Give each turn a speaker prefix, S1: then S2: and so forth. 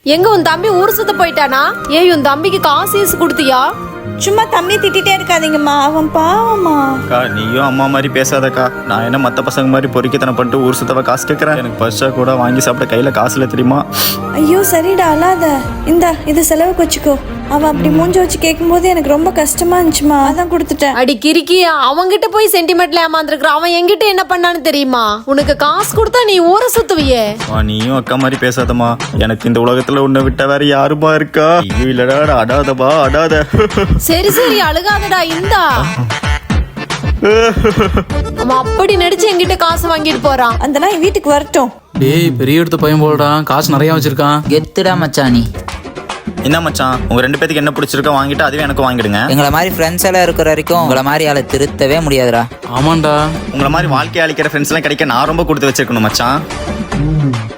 S1: எங்க உன் தம்பி ஊர் சுத்த போயிட்டானா? ஏய் உன் தம்பிக்கு காசு கொடுத்தியா?
S2: சும்மா தம்பி திட்டிட்டே இருக்காதீங்கம்மா, அவன் பாவம்மா.
S3: அக்கா நீயும் அம்மா மாதிரி பேசாதக்கா. நான் என்ன மற்ற பசங்க மாதிரி பொறுக்கித்தனம் பண்ணிட்டு ஊர் சுத்தவ காசு கேட்குறேன். எனக்கு பஸ்ஸா கூட வாங்கி சாப்பிட கையில் காசு இல்லை தெரியுமா?
S2: ஐயோ சரிடா, அழாத. இந்தா இது செலவுக்கு வச்சுக்கோ. அவன் அப்படி மூஞ்ச வச்சு கேட்கும்போது எனக்கு ரொம்ப கஷ்டமா இருந்துச்சுமா, அதான் கொடுத்துட்டேன்.
S1: அடி கிறுக்கி, அவங்கிட்ட போய் சென்டிமெண்ட்ல ஏமாந்துருக்குற. அவன் என்கிட்ட என்ன பண்ணான்னு தெரியுமா? உனக்கு காசு கொடுத்தா நீ ஊரை சுத்துவியே.
S3: நீயும் அக்கா மாதிரி பேசாதம்மா. எனக்கு இந்த உலகத்துல உன்னை விட்ட வேற யாருமா இருக்கா? ஐயோ இல்லடா, அடாதபா அடாத.
S1: சரி சரி அழுகாதடா, இந்தா. அவன் அப்படி நடிச்சு என்கிட்ட காசு வாங்கிட்டு போறான்.
S2: அந்த நாய் வீட்டுக்கு வரட்டும்.
S4: டேய் பெரிய எடுத்த பையன் போடுறான், காசு நிறைய வச்சிருக்கான்.
S5: கெத்துடா மச்சானி.
S3: என்ன மச்சான், உங்க 2 பேத்துக்கு என்ன பிடிச்சிருக்கோ வாங்கிட்டு அதுவே எனக்கு வாங்கிடுங்க.
S5: எங்களை மாதிரி ஃப்ரெண்ட்ஸ் எல்லாம் இருக்கிற வரைக்கும் உங்களை மாதிரி ஆளை திருத்தவே முடியாதுடா.
S4: ஆமாண்டா.
S3: உங்களை மாதிரி வாழ்க்கை அளிக்கிற ஃப்ரெண்ட்ஸ் எல்லாம் கிடைக்க நான் ரொம்ப கொடுத்து வச்சிருக்கணும் மச்சான்.